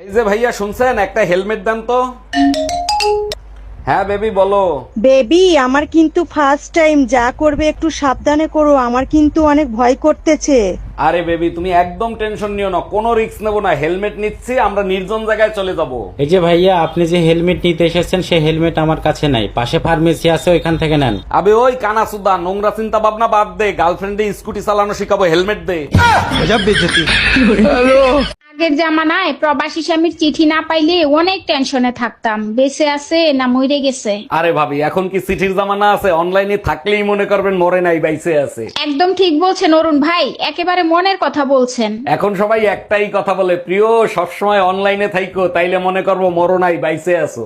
এই যে ভাইয়া শুনছেন, একটা হেলমেট দেন তো। হ্যাঁ বেবি বলো। বেবি আমার কিন্তু ফার্স্ট টাইম, যা করবে একটু সাবধানে করো, আমার কিন্তু অনেক ভয় করতেছে। আরে বেবি তুমি একদম টেনশন নিও না, কোনো রিস্ক নেবো না, হেলমেট নিচ্ছি, আমরা নির্জন জায়গায় চলে যাব। এই যে ভাইয়া, আপনি যে হেলমেট নিতে এসেছেন সেই হেলমেট আমার কাছে নাই, পাশে ফার্মেসি আছে, ওইখান থেকে নেন। আবে ওই কানা সুদা, নোংরা চিন্তা ভাবনা বাদ দে, গার্লফ্রেন্ডে স্কুটি চালানো শিখাবো, হেলমেট দে। আগের জামানায় প্রবাসী স্বামীর চিঠি না পাইলে অনেক টেনশনে থাকতাম, বেঁচে আছে না মরে গেছে। আরে ভাবি এখন কি চিঠির জামানা আছে? অনলাইনে থাকলেই মনে করবেন মরে নাই, বাইসে আছে। একদম ঠিক বলছেন অরুণ ভাই, একেবারে মনের কথা বলছেন। এখন সবাই একটাই কথা বলে, প্রিয় সবসময় অনলাইনে থাইকো, তাইলে মনে করবো মরো নাই, বাইসে আছো।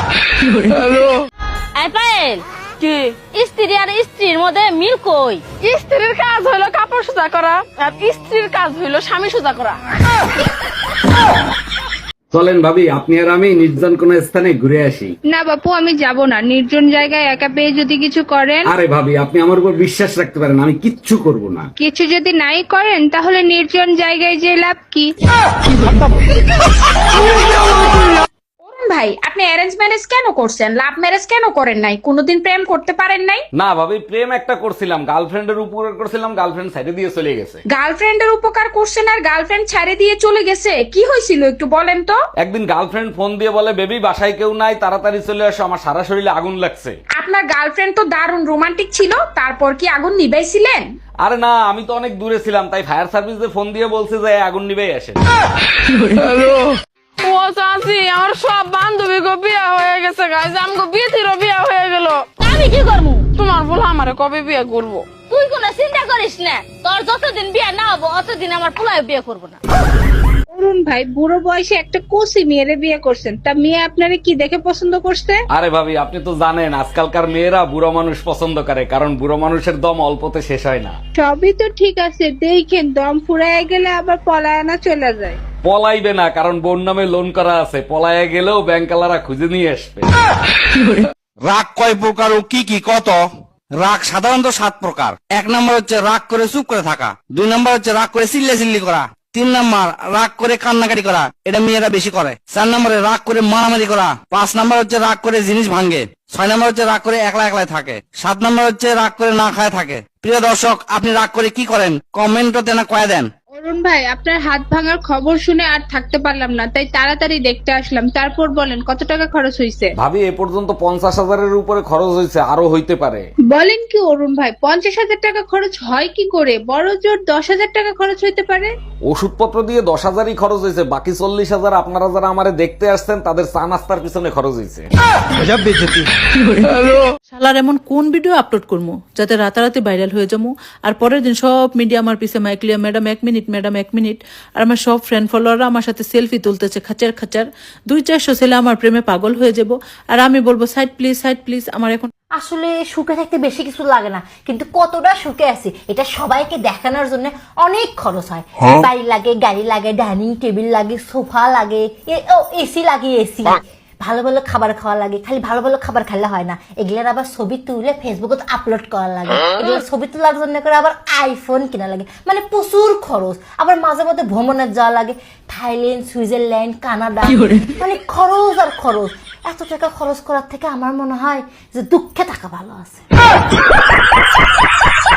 পায়েল কি স্ত্রী আর স্ত্রীর মধ্যে মিল কই? স্ত্রীর কাজ হইলো কাপড় সোজা করা, আর স্ত্রীর কাজ হইলো স্বামী সোজা করা। চলেন ভাবি, আপনি আর আমি নির্জন কোন স্থানে ঘুরে আসি। না বাপু, আমি যাব না। নির্জন জায়গায় একা পেয়ে যদি কিছু করেন। আরে ভাবি আপনি আমার উপর বিশ্বাস রাখতে পারেন, আমি কিচ্ছু করব না। কিছু যদি নাই করেন তাহলে নির্জন জায়গায় যে লাভ কি? অরুণ ভাই, আপনি অ্যারেঞ্জ ম্যারেজ কেন করছেন? লাভ ম্যারেজ কেন করেন নাই? কোনোদিন প্রেম করতে পারেন নাই? না ভাবি, প্রেম একটা করছিলাম, গার্লফ্রেন্ডের উপরে করছিলাম, গার্লফ্রেন্ড সাইডে দিয়ে চলে গেছে। গার্লফ্রেন্ডের উপকার করছেন আর গার্লফ্রেন্ড ছেড়ে দিয়ে চলে গেছে, কি হয়েছিল একটু বলেন তো? একদিন গার্লফ্রেন্ড ফোন দিয়ে বলে, বেবি বাসায় কেউ নাই, তাড়াতাড়ি চলে আসো, আমার সারা শরীরে আগুন লাগছে। আপনার গার্লফ্রেন্ড তো দারুণ রোমান্টিক ছিল, তারপর কি আগুন নিভাইছিলেন? আরে না, আমি তো অনেক দূরে ছিলাম, তাই ফায়ার সার্ভিসে ফোন দিয়ে বলছে যে আগুন নিবেই আসে। ও চাচি, আমার সব বান্ধবী গো বিয়া হয়ে গেছে, গাইজ আমগো বিয়েতিরও বিয়া হয়ে গেল। আমি কি করবো? তোমার বল আমারে কবে বিয়ে করবো? তুই কোনো চিন্তা করিস না, তোর যতদিন বিয়ে না হবো অতদিন আমার পোলায় বিয়ে করবো না। অরুণ ভাই, বুড়ো বয়সে একটা কোসি মেয়েরে বিয়ে করছেন, তা মেয়ে আপনারে কি দেখে পছন্দ করছে? আরে ভাবি আপনি তো জানেন আজকালকার মেয়েরা বুড়ো মানুষ পছন্দ করে, কারণ বুড়ো মানুষের দম অল্পতে শেষ হয় না। সবই তো ঠিক আছে, দেখেন দম ফুরায় গেলে আবার পলায়না চলে যায়। পলাইবে না, কারণ বোন নামে লোন করা আছে, পলাইয়া গেলেও ব্যাংকালারা খুঁজে নিয়ে আসবে। রাগ কয় প্রকার ও কি কি কত? রাগ সাধারণত 7 প্রকার। 1 নম্বর হচ্ছে রাগ করে চুপ করে থাকা, 2 নম্বর হচ্ছে রাগ করে চিল্লাচিল্লি করা, 3 নম্বর রাগ করে কান্নাকাটি করা, এটা মেয়েরা বেশি করে, 4 নম্বরে রাগ করে মারামারি করা, 5 নম্বর হচ্ছে রাগ করে জিনিস ভাঙে, 6 নম্বর হচ্ছে রাগ করে একলা একলাই থাকে, 7 নম্বর হচ্ছে রাগ করে না খায় থাকে। প্রিয় দর্শক, আপনি রাগ করে কি করেন? কমেন্টতে না কয়ে দেন। অরুণ ভাই, আপনার হাত ভাঙার খবর শুনে আর থাকতে পারলাম না, তাই তাড়াতাড়ি দেখতে আসলাম। তারপর বলেন কত টাকা খরচ হয়েছে? ভাবি এ পর্যন্ত 50,000-এর উপরে খরচ হয়েছে, আরো হইতে পারে। বলেন কি অরুণ ভাই, 50,000 টাকা খরচ হয় কি করে? বড় জোর 10,000 টাকা খরচ হইতে পারে। ওষুধপত্র দিয়ে 10,000-ই খরচ হয়েছে, বাকি 40,000 আপনারা যারা আমারে দেখতে আসছেন তাদের চা নাস্তার পিছনে খরচ হয়েছে। শালার এমন কোন ভিডিও আপলোড করবো যাতে রাতারাতি ভাইরাল হয়ে যাবো, আর পরের দিন সব মিডিয়া আমার পিছে মাইকলিয়া, ম্যাডাম 1 মিনিট, ম্যাডাম 1 মিনিট। আর আমার সব ফ্রেন্ড ফলোয়াররা আমার সাথে সেলফি তুলতেছে খাচার খাচার, 200-400 ছেলে আমার প্রেমে পাগল হয়ে যাব, আর আমি বলবো সাইড প্লিজ, সাইড প্লিজ। আমার এখন আসলে সুখে থাকতে বেশি কিছু লাগে না, কিন্তু কতটা সুখে আছি এটা সবাইকে দেখানোর জন্য অনেক খরচ হয়। বাড়ি লাগে, গাড়ি লাগে, ডাইনিং টেবিল লাগে, সোফা লাগে, এসি লাগে, এসি, ভালো ভালো খাবার খাওয়া লাগে। খালি ভালো ভালো খাবার খেলে হয় না, এগুলোর আবার ছবি তুলে ফেসবুকে আপলোড করা লাগে, এগুলোর ছবি তোলার জন্য করে আবার আইফোন কিনা লাগে, মানে প্রচুর খরচ। আবার মাঝে মধ্যে ভ্রমণে যাওয়া লাগে, থাইল্যান্ড, সুইজারল্যান্ড, কানাডা, মানে খরচ আর খরচ। এত টাকা খরচ করার থেকে আমার মনে হয় যে দুঃখে থাকা ভালো আছে।